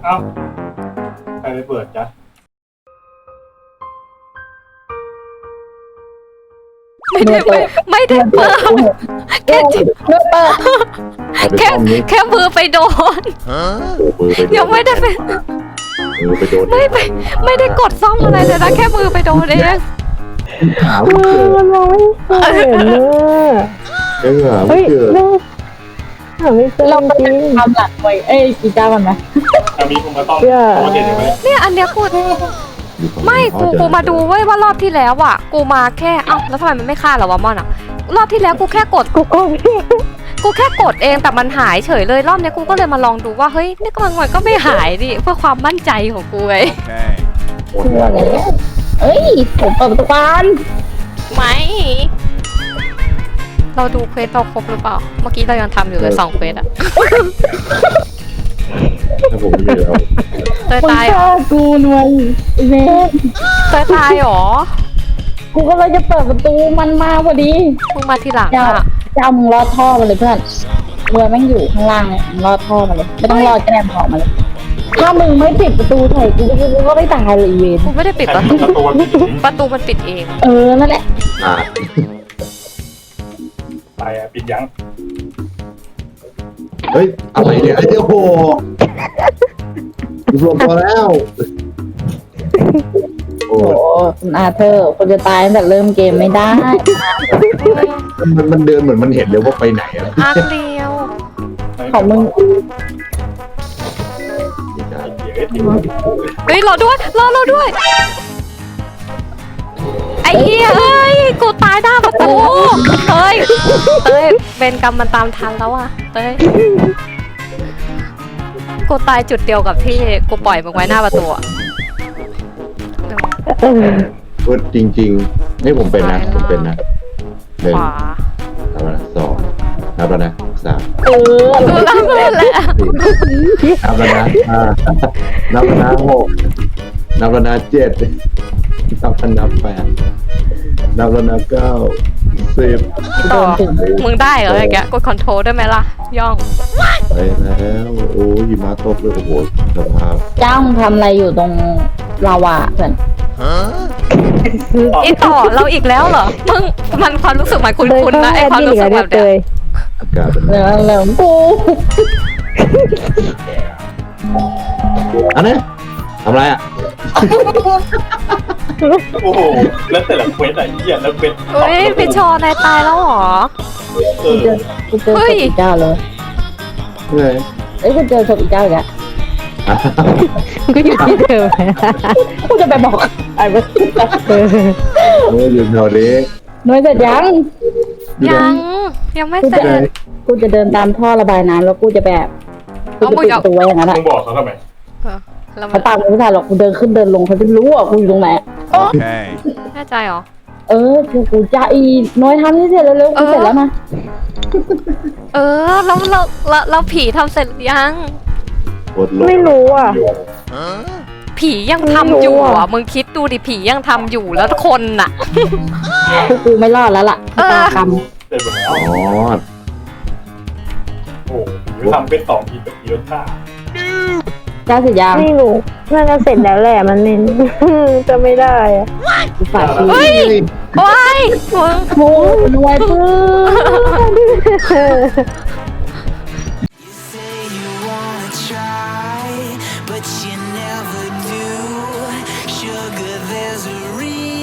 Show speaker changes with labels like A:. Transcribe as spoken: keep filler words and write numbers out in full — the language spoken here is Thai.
A: อ้าใครไปเปิดจ๊ะ
B: ไม่ได้ไม่ไม่ได้เปิดแค่จิไม่เปิดแค่แค่มือไปโดนยังไม่ได้ไปไม่ไปไม่ได้กดซ่อมอะไรเลยนะแค่มือไปโดนเอง
C: มือมันมองไม่เห็นเลยเฮ้ยเราหาไม่เจอเราจริงทำหลักไว้เอ้ยกีตาร์มันไหม
A: มีคนมาต้องโอเคไหม
B: เนี่ยอันเนี้ยกูไม่กูกูมาดูเว้ยว่ารอบที่แล้วอ่ะกูมาแค่เอ้าแล้วทำไมมันไม่ฆ่าเราวะมอนอ่ะรอบที่แล้วกูแค่กดกูก็กูแค่กดเองแต่มันหายเฉยเลยรอบนี้กูก็เลยมาลองดูว่าเฮ้ยนี่ก็มันก็ไม่หายดิเพื่อความมั่นใจของกูไง
C: เอ้ยผมเปิดประตูบ้าน
B: ไม่เราดูเควสเราครบหรือเปล่าเมื่อกี้เรายังทำอยู่เลยสองเควสอะ
D: ถ้าผมไม่มีแล้ว
B: เตยตาย
C: กูนวลเว้ย
B: เตยตายหรอ
C: กูก็เลยจะเปิดประตูมันมาพอดี
B: มึงมาทีหลัง
C: อะเจ้ามึงรอดท่อมาเลยเพื่อนเรือแม่งอยู่ข้างล่างเลยมึงรอดท่อมาเลยไม่ต้องรอดแกล้งออกมาเลยถ้ามึงไม่ปิดประตูใส่กูกูก็ไม่ตายเลยเวน
B: กูไม่ได้ปิดประตูประตูมันปิดเอง
C: เออนั่นแหละ
A: ไปอ่ะปิดยัง
D: เฮ้ยอะไรเนี่ยไอ้เจ้าโหรวมตัวแล้ว
C: โอ้คุณอาเธอร์คนจะตายตั้งแต่เริ่มเกมไม่ได้
D: มันมันเดินเหมือนมันเห็นเลยว่าไปไหนอะ
B: อาเดียว
C: ของมึง
B: เฮ้ยรอด้วยรอเราด้วยไอ้เหี้ยเอ้ยกูตายหน้าประตูเฮ้ยเฮ้ยเป็นกรรมมันตามทันแล้วอ่ะเฮ้ยกูตายจุดเดียวกับที่กูปล่อยมึงไว้หน้าประตูอ่ะ
D: พูดจริงๆนี่ผมเป็นนะผมเป็นนะหนึ่งนับแล้วนะสองนับแล้วนะสาม
C: เออ
B: นับแล้วแหละ
D: นับแล้วนะห้านับแล้วนะหกนับแล้วนะเจ็ดนับแล้วนะแปดนับแล้วนะเก้าสิบ
B: ต่อมึงได้เหรอไอ้แกกดคอนโทรลได้ไหมล่ะย่อง
D: ไปแล้วโอ้ยหิมะตกเลยโอ้โหสภาพ
C: เจ้าทำอะไรอยู่ตรงลาวาเพื่อน
B: ไอต่อเราอีกแล้วเหรอมึงมันความรู้สึกหมายคุ้นๆนะไอความรู้สึกแบบเนี้ย
D: อากาศเป็น
C: เหลืองเหลืองปู
D: อันนี้ทำไรอ่ะ
A: โอ้โหแล้วแต่ละเควสไหนเหี้ยแล้วเป็น
B: เฮ้ยเป็นชอนายตายแล้วหรอ
C: กูเจอกูเจอศพอีกเจ้าเลย
D: เฮ้ย
C: เอ้ยกูเจอศพอีกเจ้าอีกแล้ว
B: ก็อยู่ที่เดิม
C: กูจะไปบอกไอ้เมื่อ
D: เอออยู่แถวนี้
C: น้อยเสร็จยัง
B: ยังยังไม่เสร็จ
C: กูจะเดินตามท่อระบายน้ำแล้วกูจะแบบกูจะปิดตัวอย่างนั้นแหละ
A: มึงบอกเขาทำไม
C: เขาตามกูไม่ทันหรอกกูเดินขึ้นเดินลงเขาจะรู้อ่ะกูอยู่ตรงไหน
D: โอเค
B: แน่ใจเหรอ
C: เออกูกูจะอีน้อยทำนี่เสร็จแล้วเร็วกูเสร็จแล้วนะ
B: เออแล้วเราเราเราผีทำเสร็จยัง
C: ไม่รู้อ่ะ
B: ผียังทำอยู่อ่ะมึงคิดดูดิผียังทำอยู่แล้วคนน่ะ
C: กูไม่รอดแล้วล่ะตาค
A: ำเสร็จแล้วอ๋อโอ้ยทำเป็นสองทีแบบเยอะค่ะ
C: เจ้าเสร็จยัง
E: ไม่รู้น่าจะเสร็จแล้วแหละมันเน้นจะไม่ได้อะ
C: ฝากที
B: เฮ้ยโอ้ย
C: โอ้ยรวยปื้
F: But you never do. Sugar, there's a reason.